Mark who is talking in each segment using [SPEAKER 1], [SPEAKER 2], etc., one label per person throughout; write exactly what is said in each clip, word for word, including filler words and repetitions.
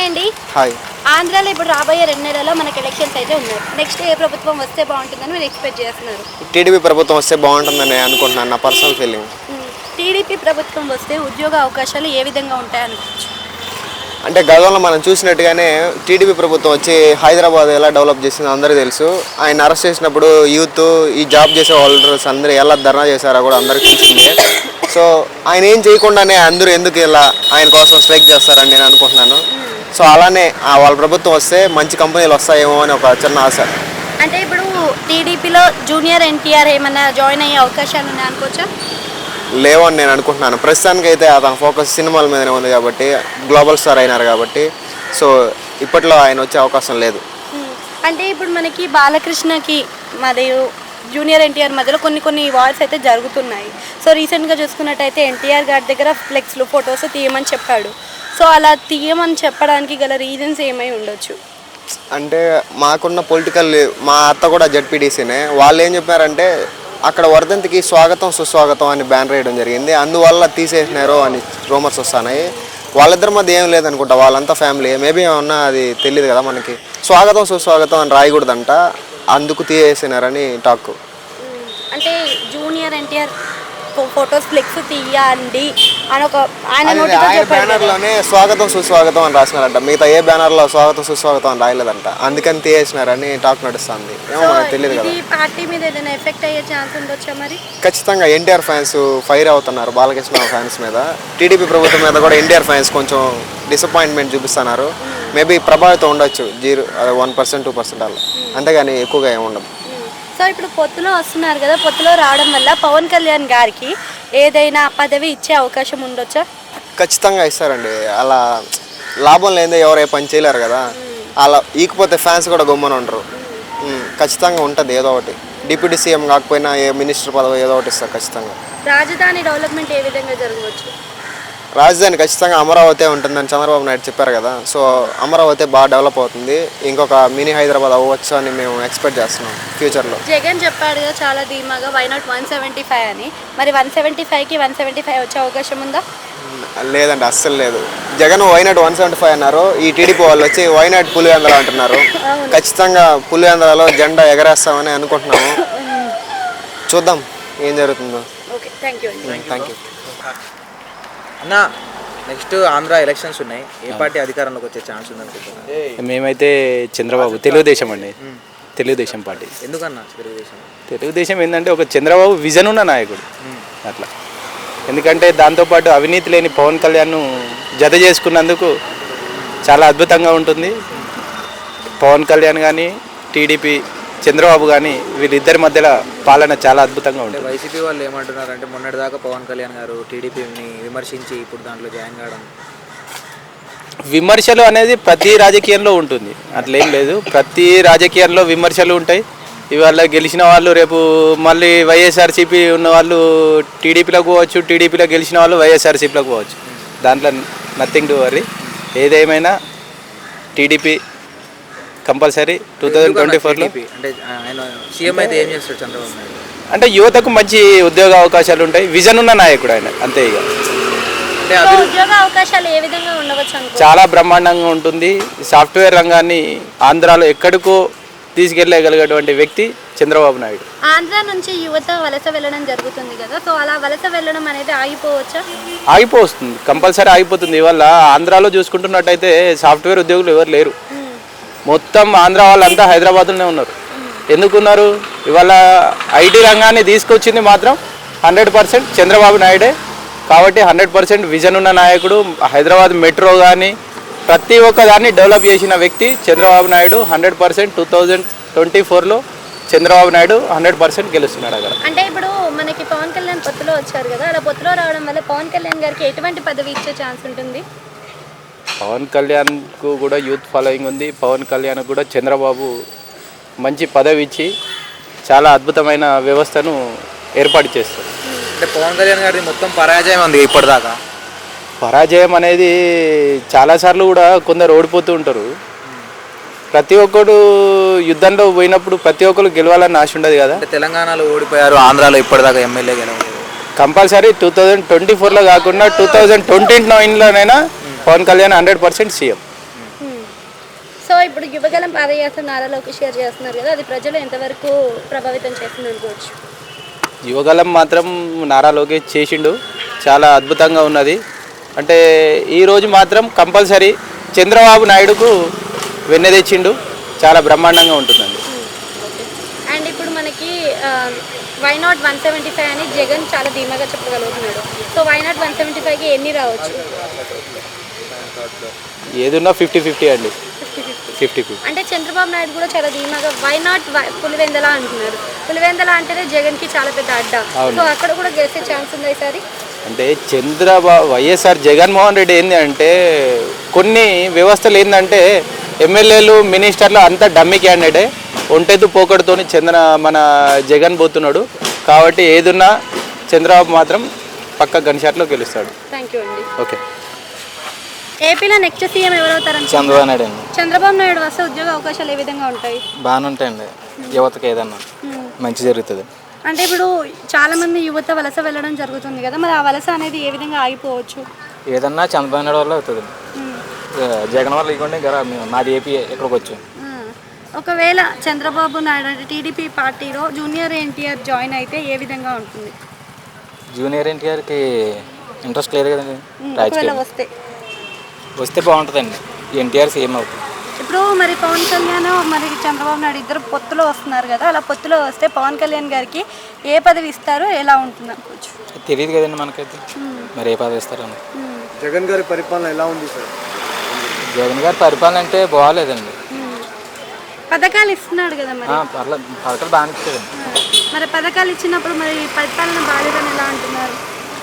[SPEAKER 1] Hi అండి.
[SPEAKER 2] Hi.
[SPEAKER 1] ఆంధ్రాలో ఇప్పుడు రాబోయే రెండు నెలల్లో మనకి ఎలక్షన్స్ అయితే ఉన్నాయి. నెక్స్ట్ ఏ ప్రభుత్వం వస్తే బాగుంటుందని మీరు ఎక్స్పెక్ట్ చేస్తున్నారు?
[SPEAKER 2] టీడీపీ ప్రభుత్వం వస్తే బాగుంటుందని అనుకుంటున్నాను, నా పర్సనల్ ఫీలింగ్.
[SPEAKER 1] టీడీపీ ప్రభుత్వం వస్తే ఉద్యోగ అవకాశాలు ఏ విధంగా ఉంటాయనుకోవచ్చు?
[SPEAKER 2] అంటే గతంలో మనం చూసినట్టుగానే టీడీపీ ప్రభుత్వం వచ్చి హైదరాబాద్ ఎలా డెవలప్ చేసిందో అందరికీ తెలుసు. ఆయన అరెస్ట్ చేసినప్పుడు యూత్, ఈ జాబ్ చేసే హోల్డర్స్ అందరూ ఎలా ధర్నా చేశారో కూడా అందరికీ తెలిసిందే. సో ఆయన ఏం చేయకుండానే అందరూ ఎందుకు ఇలా ఆయన కోసం స్ట్రైక్ చేస్తారని నేను అనుకుంటున్నాను. సో అలానే వాళ్ళ ప్రభుత్వం వస్తే మంచి కంపెనీలు వస్తాయేమో అని ఒక చిన్న ఆశ.
[SPEAKER 1] అంటే ఇప్పుడు టీడీపీలో జూనియర్ ఎన్టీఆర్ ఏమన్నా జాయిన్ అయ్యే అవకాశాలు ఉన్నాయి అనుకోవచ్చా?
[SPEAKER 2] లేవని నేను అనుకుంటున్నాను. ప్రస్తుతానికి అయితే అతని ఫోకస్ సినిమాల మీదనే ఉంది కాబట్టి, గ్లోబల్ స్టార్ అయినారు కాబట్టి, సో ఇప్పట్లో ఆయన వచ్చే అవకాశం లేదు.
[SPEAKER 1] అంటే ఇప్పుడు మనకి బాలకృష్ణకి మరియు జూనియర్ ఎన్టీఆర్ మధ్యలో కొన్ని కొన్ని వార్స్ అయితే జరుగుతున్నాయి. సో రీసెంట్గా చూసుకున్నట్టయితే ఎన్టీఆర్ గారి దగ్గర ఫ్లెక్స్లు ఫొటోస్ తీయమని చెప్పాడు. సో అలా తీయమని చెప్పడానికి గల రీజన్స్ ఏమై ఉండొచ్చు?
[SPEAKER 2] అంటే మాకున్న పొలిటికల్, మా అత్త కూడా జెడ్పీటీసీనే, వాళ్ళు ఏం చెప్పారంటే అక్కడ వర్ధంతికి స్వాగతం సుస్వాగతం అని బ్యానర్ వేయడం జరిగింది, అందువల్ల తీసేసినారు అని రూమర్స్ వస్తున్నాయి. వాళ్ళిద్దరి మధ్య ఏం లేదనుకుంటా, వాళ్ళంతా ఫ్యామిలీ, మేబీ ఏమన్నా అది తెలియదు కదా మనకి. స్వాగతం సుస్వాగతం అని రాయకూడదంట, అందుకు తీసేసినారని టాక్.
[SPEAKER 1] అంటే జూనియర్ ఎన్టీఆర్ ఫొటోస్ ఫ్లెక్స్ తీయండి అని ఒక ఆయన
[SPEAKER 2] బ్యానర్లోనే స్వాగతం సుస్వాగతం అని రాసినారంట, మిగతా ఏ బ్యానర్లో స్వాగతం సుస్వాగతం అని రాయలేదంట, అందుకని తీసేసినారని టాక్ నడుస్తుంది. ఏమో మనకు తెలియదు కదా.
[SPEAKER 1] పార్టీ మీద ఏదైనా ఎఫెక్ట్ అయ్యే ఛాన్స్ ఉండొచ్చా మరి?
[SPEAKER 2] ఖచ్చితంగా ఎన్టీఆర్ ఫ్యాన్స్ ఫైర్ అవుతున్నారు బాలకృష్ణ ఫ్యాన్స్ మీద. టీడీపీ ప్రభుత్వం మీద కూడా ఎన్టీఆర్ ఫ్యాన్స్ కొంచెం డిసప్పాయింట్మెంట్ చూపిస్తున్నారు. మేబీ ప్రభావితం ఉండొచ్చు, zero one percent two percent అలా, అంతేగాని ఎక్కువగా ఏమి ఉండదు.
[SPEAKER 1] సో ఇప్పుడు పొత్తులో వస్తున్నారు కదా, పొత్తులో రావడం వల్ల పవన్ కళ్యాణ్ గారికి ఏదైనా పదవి ఇచ్చే అవకాశం ఉండొచ్చా?
[SPEAKER 2] ఖచ్చితంగా ఇస్తారండి. అలా లాభం లేదే ఎవరు ఏ పని చేయలేరు కదా, అలా ఈకపోతే ఫ్యాన్స్ కూడా గమ్మున ఉండరు. ఖచ్చితంగా ఉంటుంది ఏదో ఒకటి, డిప్యూటీ సీఎం కాకపోయినా ఏ మినిస్టర్ పదవి ఏదో ఒకటి ఇస్తారు ఖచ్చితంగా.
[SPEAKER 1] రాజధాని డెవలప్మెంట్ ఏ విధంగా జరగవచ్చు?
[SPEAKER 2] రాజధాని ఖచ్చితంగా అమరావతి ఉంటుందని చంద్రబాబు నాయుడు చెప్పారు కదా, సో అమరావతి బాగా డెవలప్ అవుతుంది, ఇంకొక మినీ హైదరాబాద్ అవ్వచ్చు అని మేము ఎక్స్పెక్ట్ చేస్తున్నాం ఫ్యూచర్లో.
[SPEAKER 1] జగన్ చెప్పాడు కదా చాలా ధీమాగా why not one seventy five అని, మరి వన్ సెవెంటీ ఫైవ్కి వన్ సెవెంటీ ఫైవ్ వచ్చే అవకాశం ఉందా?
[SPEAKER 2] లేదండి, అస్సలు లేదు. Jagan why not one seventy five అన్నారు, ఈ టీడీపీ వాళ్ళు వచ్చి వై నాట్ పులివెందుల అంటున్నారు. ఖచ్చితంగా పులివెందులలో జెండా ఎగరేస్తామని అనుకుంటున్నాము, చూద్దాం ఏం జరుగుతుందో.
[SPEAKER 1] ఓకే, థ్యాంక్ యూ అండి.
[SPEAKER 2] థ్యాంక్ యూ
[SPEAKER 3] అన్న. నెక్స్ట్ ఆంధ్ర ఎలక్షన్స్ ఉన్నాయి, ఏ పార్టీ అధికారంలోకి వచ్చే ఛాన్స్ ఉందనుకుంటున్నారు?
[SPEAKER 4] మేమైతే చంద్రబాబు, తెలుగుదేశం అండి, తెలుగుదేశం పార్టీ.
[SPEAKER 3] ఎందుకన్నా తెలుగుదేశం?
[SPEAKER 4] తెలుగుదేశం ఏంటంటే ఒక చంద్రబాబు విజన్ ఉన్న నాయకుడు అట్లా. ఎందుకంటే దాంతోపాటు అవినీతి లేని పవన్ కళ్యాణ్ను జత చేసుకున్నందుకు చాలా అద్భుతంగా ఉంటుంది. పవన్ కళ్యాణ్ కానీ టీడీపీ చంద్రబాబు కానీ వీళ్ళిద్దరి మధ్యలో పాలన చాలా అద్భుతంగా ఉంటుంది.
[SPEAKER 3] వైసీపీ వాళ్ళు ఏమంటున్నారు అంటే మొన్నటిదాకా పవన్ కళ్యాణ్ గారు టీడీపీని విమర్శించి ఇప్పుడు దాంట్లో జాయిన్ కావడం.
[SPEAKER 4] విమర్శలు అనేది ప్రతి రాజకీయంలో ఉంటుంది, అట్లేం లేదు. ప్రతి రాజకీయాల్లో విమర్శలు ఉంటాయి. ఇవాళ గెలిచిన వాళ్ళు రేపు మళ్ళీ వైఎస్ఆర్సీపీ ఉన్న వాళ్ళు టీడీపీలోకి పోవచ్చు, టీడీపీలో గెలిచిన వాళ్ళు వైఎస్ఆర్సీపీలోకి పోవచ్చు. దాంట్లో నథింగ్ టు వరీ. ఏదేమైనా TDP compulsory two thousand twenty ఫోర్లో.
[SPEAKER 3] అంటే ఆయన సీఎం అయితే ఏం చేస్తాడు చంద్రబాబు నాయుడు?
[SPEAKER 4] అంటే యువతకు మంచి ఉద్యోగ అవకాశాలు ఉంటాయి, విజన్ ఉన్న నాయకుడు ఆయన, అంతే. ఇక
[SPEAKER 1] ఉద్యోగ అవకాశాలు ఏ విధంగా ఉండవచ్చు?
[SPEAKER 4] చాలా బ్రహ్మాండంగా ఉంటుంది. సాఫ్ట్వేర్ రంగాన్ని ఆంధ్రాలో ఎక్కడికో తీసుకెళ్ళగలిగేటువంటి వ్యక్తి చంద్రబాబు నాయుడు.
[SPEAKER 1] ఆంధ్ర నుంచి యువత వలస వెళ్ళడం జరుగుతుంది కదా, సో అలా వలస వెళ్ళడం అనేది ఆగిపోవచ్చా?
[SPEAKER 4] ఆగిపోతుంది, కంపల్సరీ ఆగిపోతుంది. ఇవాళ ఆంధ్రాలో చూసుకుంటున్నట్టయితే సాఫ్ట్వేర్ ఉద్యోగులు ఎవరు లేరు, మొత్తం ఆంధ్ర వాళ్ళంతా హైదరాబాద్లోనే ఉన్నారు. ఎందుకున్నారు? ఇవాళ ఐటీ రంగాన్ని తీసుకొచ్చింది మాత్రం హండ్రెడ్ పర్సెంట్ చంద్రబాబు నాయుడే. కాబట్టి హండ్రెడ్ పర్సెంట్ విజన్ ఉన్న నాయకుడు. హైదరాబాద్ మెట్రో కానీ ప్రతి ఒక్క దాన్ని డెవలప్ చేసిన వ్యక్తి Chandrababu Naidu. Hundred percent two thousand twenty ఫోర్లో చంద్రబాబు నాయుడు హండ్రెడ్ పర్సెంట్ గెలుస్తున్నాడు అక్కడ.
[SPEAKER 1] అంటే ఇప్పుడు మనకి పవన్ కళ్యాణ్ పొత్తులో వచ్చారు కదా, అలా పొత్తులో రావడం వల్ల పవన్ కళ్యాణ్ గారికి ఎటువంటి పదవి ఇచ్చే ఛాన్స్ ఉంటుంది?
[SPEAKER 4] పవన్ కళ్యాణ్కు కూడా యూత్ ఫాలోయింగ్ ఉంది. పవన్ కళ్యాణ్ కూడా చంద్రబాబు మంచి పదవి ఇచ్చి చాలా అద్భుతమైన వ్యవస్థను ఏర్పాటు చేస్తారు.
[SPEAKER 3] అంటే పవన్ కళ్యాణ్ గారి మొత్తం పరాజయం ఉంది ఇప్పటిదాకా.
[SPEAKER 4] పరాజయం అనేది చాలాసార్లు కూడా కొందరు ఓడిపోతూ ఉంటారు. ప్రతి ఒక్కరు యుద్ధంలో పోయినప్పుడు ప్రతి ఒక్కరు గెలవాలని ఆశ ఉండదు కదా.
[SPEAKER 3] తెలంగాణలో ఓడిపోయారు, ఆంధ్రాలో ఇప్పటిదాకా ఎమ్మెల్యే గెలవలేదు.
[SPEAKER 4] కంపల్సరీ టూ థౌజండ్ ట్వంటీ ఫోర్లో కాకుండా టూ థౌజండ్ ట్వంటీ నైన్లోనైనా Pawan Kalyan hundred percent CM.
[SPEAKER 1] ఇప్పుడు యువగలం పాదయాత్ర నారా లోకేష్ గారు చేస్తున్నారు కదా, అది ప్రజలు ఎంతవరకు ప్రభావితం చేస్తుంది అనుకోవచ్చు?
[SPEAKER 4] యువగలం మాత్రం నారా లోకేష్ చేసిండు, చాలా అద్భుతంగా ఉన్నది. అంటే ఈరోజు మాత్రం కంపల్సరీ చంద్రబాబు నాయుడుకు వెన్నె తెచ్చిండు, చాలా బ్రహ్మాండంగా ఉంటుందండి.
[SPEAKER 1] అండ్ ఇప్పుడు మనకి why not one seventy five అని జగన్ చాలా ధీమాగా చెప్పగలుగుతున్నాడు. So why not one seventy ఫైవ్కి ఎన్ని రావచ్చు?
[SPEAKER 4] ఏదున్నా ఫిఫ్టీ ఫిఫ్టీ అండి, ఫిఫ్టీ ఫిఫ్టీ.
[SPEAKER 1] అంటే చంద్రబాబు నాయుడు కూడా చాలా ధీమాగా వై నాట్ పులివెందల అంటున్నారు. పులివెందల అంటేనే జగన్కి చాలా పెద్ద అడ్డా. సో అక్కడ కూడా గెలిచే ఛాన్స్ ఉంది ఈసారి.
[SPEAKER 4] అంటే చంద్రబాబు వైఎస్ఆర్ జగన్మోహన్ రెడ్డి ఏంది అంటే కొన్ని వ్యవస్థలు ఏంటంటే ఎమ్మెల్యేలు మినిస్టర్లు అంతా డమ్మీ క్యాండిడేటే, ఒంటెత్తు పోకడుతోని చంద్ర మన జగన్ పోతున్నాడు. కాబట్టి ఏదున్నా చంద్రబాబు మాత్రం పక్క గన్ షాట్లో గెలుస్తాడు.
[SPEAKER 1] థ్యాంక్ యూ అండి.
[SPEAKER 4] ఓకే.
[SPEAKER 1] ఏపీలో నెక్స్ట్ సీఎం ఎవరవుతారని?
[SPEAKER 5] చంద్రబాబు నాయుడు అండి.
[SPEAKER 1] చంద్రబాబు నాయుడు వస్తే ఉద్యోగ అవకాశాలు ఏ విధంగా ఉంటాయి?
[SPEAKER 5] బాగానే ఉంటాయండి, యువతకి ఏదన్నా మంచి జరుగుతుంది.
[SPEAKER 1] అంటే ఇప్పుడు చాలా మంది యువత వలస వెళ్ళడం జరుగుతుంది కదా, మరి ఆ వలస అనేది ఏ విధంగా ఆగిపోవచ్చు?
[SPEAKER 5] ఏదన్నా చంద్రబాబు నాయుడు వల్ల అవుతుంది. జగన్ వల్ల ఇవ్వండి కదా, మాది ఏపీ ఇక్కడికి వచ్చాం.
[SPEAKER 1] ఒకవేళ చంద్రబాబు నాయుడు అంటే టీడీపీ పార్టీలో జూనియర్ ఎన్టీఆర్ జాయిన్ అయితే ఏ విధంగా ఉంటుంది?
[SPEAKER 5] జూనియర్ ఎన్టీఆర్కి ఇంట్రెస్ట్ లేదు కదండి
[SPEAKER 1] ఒకవేళ
[SPEAKER 5] రాజకీయం.
[SPEAKER 1] వస్తే
[SPEAKER 5] వస్తే బాగుంటుందండి, ఎన్టీఆర్ సీఎం అవుతుంది.
[SPEAKER 1] ఇప్పుడు మరి పవన్ కళ్యాణ్ మరి చంద్రబాబు నాయుడు ఇద్దరు పొత్తులో వస్తున్నారు కదా, అలా పొత్తులో వస్తే పవన్ కళ్యాణ్ గారికి ఏ పదవి ఇస్తారో ఎలా ఉంటుంది అనుకోవచ్చు?
[SPEAKER 5] తెలియదు కదండి మనకైతే, మరి ఏ పదవి ఇస్తారని.
[SPEAKER 2] జగన్ గారి పరిపాలన ఎలా ఉంది సార్?
[SPEAKER 5] జగన్ గారి పరిపాలన అంటే బాగాలేదండి.
[SPEAKER 1] పథకాలు ఇస్తున్నాడు కదా, మరి
[SPEAKER 5] పర్లేదు, పథకాలు బాగానే ఇచ్చారండి.
[SPEAKER 1] మరి పథకాలు ఇచ్చినప్పుడు మరి పరిపాలన బాగాలేదని ఎలా అంటున్నారు?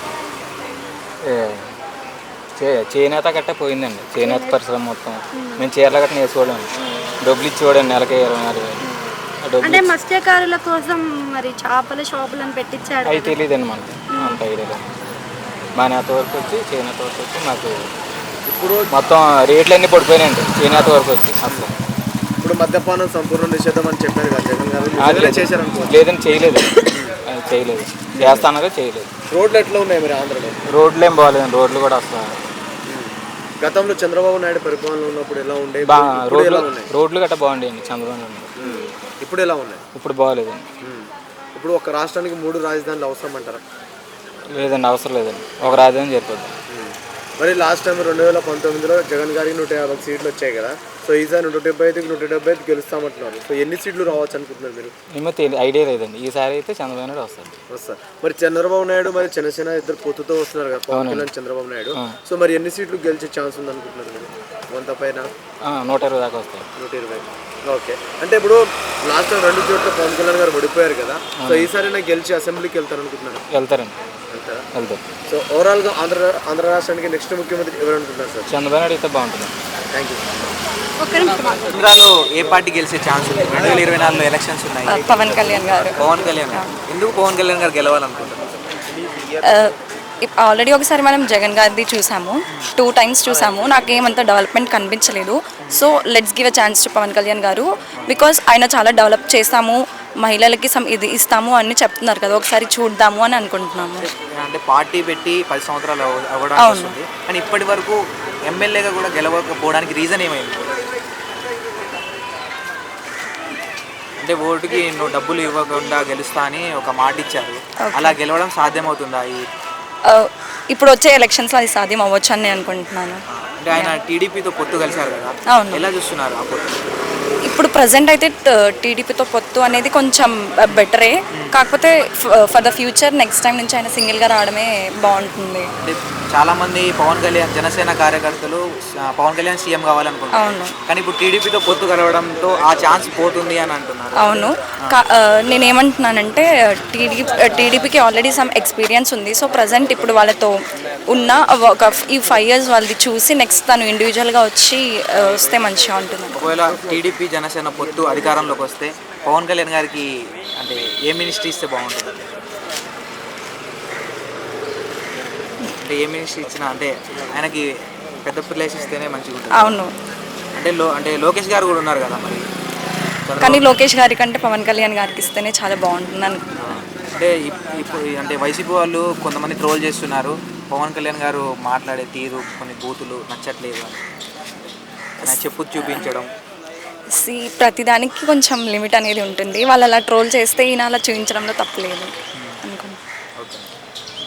[SPEAKER 5] చేనేత గట్ట పోయిందండి, చేనేత పరిశ్రమ మొత్తం. మేము చీరల గట్ట నేర్చుకోవడం, డబ్బులు ఇచ్చి చూడండి నెలకి ఇరవై నాలుగు వేలు.
[SPEAKER 1] అంటే మత్స్యకారుల కోసం మరి చేపల షాపులను పెట్టించాడు.
[SPEAKER 5] అవి తెలియదండి మనకి, అంత ఐడియా లేదు. మా నేత వరకు వచ్చి చేనేత వరకు వచ్చి మాకు ఇప్పుడు మొత్తం రేట్లు అన్నీ పడిపోయినాయండి చేనేత వరకు వచ్చి. అసలు
[SPEAKER 2] ఇప్పుడు మద్యపానం సంపూర్ణ నిషేధం అని చెప్పారు కదా జగన్ గారు, చేశారనుకో?
[SPEAKER 5] లేదండి, చేయలేదు, చేయలేదు, చేస్తానగా చేయలేదు.
[SPEAKER 2] రోడ్లు ఎట్లా ఉన్నాయి మరి ఆంధ్రలో?
[SPEAKER 5] రోడ్లు ఏం బాగాలేదండి, రోడ్లు కూడా అసలు.
[SPEAKER 2] గతంలో చంద్రబాబు నాయుడు పరిపాలన ఉన్నప్పుడు ఎలా ఉండే?
[SPEAKER 5] రోడ్లు రోడ్లు గట్రా బాగుండేయండి చంద్రబాబు నాయుడు.
[SPEAKER 2] ఇప్పుడు ఎలా ఉన్నాయి?
[SPEAKER 5] ఇప్పుడు బాగాలేదండి.
[SPEAKER 2] ఇప్పుడు ఒక రాష్ట్రానికి మూడు రాజధానులు అవసరం అంటారా?
[SPEAKER 5] లేదండి, అవసరం లేదండి, ఒక రాజధాని సరిపోద్ది.
[SPEAKER 2] మరి లాస్ట్ టైం రెండు వేల పంతొమ్మిదిలో జగన్ గారికి నూట యాభై సీట్లు వచ్చాయి కదా, సో ఈసారి నూట డెబ్బై ఐదుకి నూట డెబ్బై ఐదు గెలుస్తామంటున్నారు. సో ఎన్ని సీట్లు రావచ్చు అనుకుంటున్నారు మీరు?
[SPEAKER 5] ఏమో తెలియదు, ఐడియా లేదండి. ఈసారి అయితే చంద్రబాబు నాయుడు వస్తారు.
[SPEAKER 2] వస్తారు. మరి చంద్రబాబు నాయుడు మరి జనసేన ఇద్దరు పొత్తుతో వస్తున్నారు కదా, పవన్ కళ్యాణ్ చంద్రబాబు నాయుడు. సో మరి ఎన్ని సీట్లు గెలిచే ఛాన్స్ ఉంది అనుకుంటున్నారు మీరు? వంద పైన?
[SPEAKER 5] నూట ఇరవై దాకా వస్తాయి.
[SPEAKER 2] నూట ఇరవై. ఓకే. అంటే ఇప్పుడు లాస్ట్ టైం రెండు చోట్ల పవన్ కళ్యాణ్ గారు ఓడిపోయారు కదా, సో ఈసారి నాకు గెలిచి అసెంబ్లీకి వెళ్తారు అనుకుంటున్నారు?
[SPEAKER 5] వెళ్తారండి,
[SPEAKER 2] వెళ్తారా?
[SPEAKER 5] వెళ్తారు.
[SPEAKER 2] సో ఓవరాల్గా ఆంధ్ర ఆంధ్ర రాష్ట్రానికి నెక్స్ట్ ముఖ్యమంత్రి ఎవరు అనుకుంటున్నారు సార్?
[SPEAKER 5] చంద్రబాబు నాయుడు అయితే బాగుంటుంది.
[SPEAKER 2] Thank you.
[SPEAKER 3] ఆంధ్రాలో ఏ పార్టీ గెలిచే ఛాన్స్ ఉంది? రెండు వేల ఇరవై నాలుగులో ఎలక్షన్స్ ఉన్నాయి.
[SPEAKER 6] పవన్ కళ్యాణ్ గారు.
[SPEAKER 3] పవన్ కళ్యాణ్ గారు ఎందుకు పవన్ కళ్యాణ్ గారు గెలవాలనుకుంటున్నారు?
[SPEAKER 6] ఆల్రెడీ ఒకసారి మనం జగన్ గారిది చూసాము, టూ టైమ్స్ చూసాము, నాకేమంత డెవలప్మెంట్ కనిపించలేదు. So let's give a chance to Pawan Kalyan garu, because ఆయన చాలా డెవలప్ చేస్తాము, మహిళలకి సమ్ ఇది ఇస్తాము అని చెప్తున్నారు కదా, ఒకసారి చూద్దాము అని అనుకుంటున్నాము.
[SPEAKER 3] అంటే పార్టీ పెట్టి పది సంవత్సరాలు అవ్వడానికి వస్తుంది, కానీ ఇప్పటి వరకు ఎమ్మెల్యేగా కూడా గెలవకపోవడానికి రీజన్ ఏమైంది? అంటే ఓటుకి నువ్వు డబ్బులు ఇవ్వకుండా గెలుస్తా అని ఒక మాట ఇచ్చారు, అలా గెలవడం సాధ్యమవుతుందా?
[SPEAKER 6] ఇప్పుడు వచ్చే ఎలక్షన్స్లో అది సాధ్యం అవ్వచ్చు అని నేను అనుకుంటున్నాను.
[SPEAKER 3] అంటే ఆయన టీడీపీతో పొత్తు కలిశారు కదా,
[SPEAKER 6] అవును,
[SPEAKER 3] ఎలా చూస్తున్నారు ఆ పొత్తు?
[SPEAKER 6] ఇప్పుడు ప్రజెంట్ అయితే టీడీపీతో పొత్తు అనేది కొంచెం బెటరే, కాకపోతే for the future next time నుంచి ఆయన సింగిల్గా రావడమే బాగుంటుంది.
[SPEAKER 3] అంటే చాలా మంది పవన్ కళ్యాణ్ జనసేన కార్యకర్తలు పవన్ కళ్యాణ్ సీఎం కావాలనుకుంటున్నారు,
[SPEAKER 6] అవును,
[SPEAKER 3] కానీ ఇప్పుడు టీడీపీతో పొత్తు కలవడంతో ఆ ఛాన్స్ పోతుంది అని అంటున్నారు.
[SPEAKER 6] అవును, నేనేమంటున్నానంటే టీడీ టీడీపీకి ఆల్రెడీ సమ్ ఎక్స్పీరియన్స్ ఉంది. సో ప్రజెంట్ ఇప్పుడు వాళ్ళతో ఉన్న ఒక ఈ ఫైవ్ ఇయర్స్ వాళ్ళది చూసి నెక్స్ట్ తను ఇండివిజువల్గా వచ్చి వస్తే మంచిగా ఉంటుంది.
[SPEAKER 3] ఒకవేళ టీడీపీ జనసేన పొత్తు అధికారంలోకి వస్తే పవన్ కళ్యాణ్ గారికి అంటే ఏ మినిస్ట్రీ ఇస్తే బాగుంటుంది? అంటే ఏ మినిస్ట్రీ ఇచ్చినా అంటే ఆయనకి పెద్ద ప్లేస్ ఇస్తేనే మంచిగా ఉంటుంది.
[SPEAKER 6] అవును,
[SPEAKER 3] అంటే లో అంటే లోకేష్ గారు కూడా ఉన్నారు కదా మరి,
[SPEAKER 6] కానీ లోకేష్ గారి కంటే పవన్ కళ్యాణ్ గారికి ఇస్తేనే చాలా బాగుంటుంది అనుకుంటున్నాను.
[SPEAKER 3] అంటే ఇప్పుడు అంటే వైసీపీ వాళ్ళు కొంతమంది ట్రోల్ చేస్తున్నారు, పవన్ కళ్యాణ్ గారు మాట్లాడే తీరు కొన్ని బూతులు నచ్చట్లేదు అని, ఆయన చెప్పు చూపించడం
[SPEAKER 6] సి ప్రతిదానికి కొంచెం లిమిట్ అనేది ఉంటుంది. వాళ్ళు అలా ట్రోల్ చేస్తే ఈయన అలా చూపించడంలో తప్పలేదు అనుకుంటున్నాను.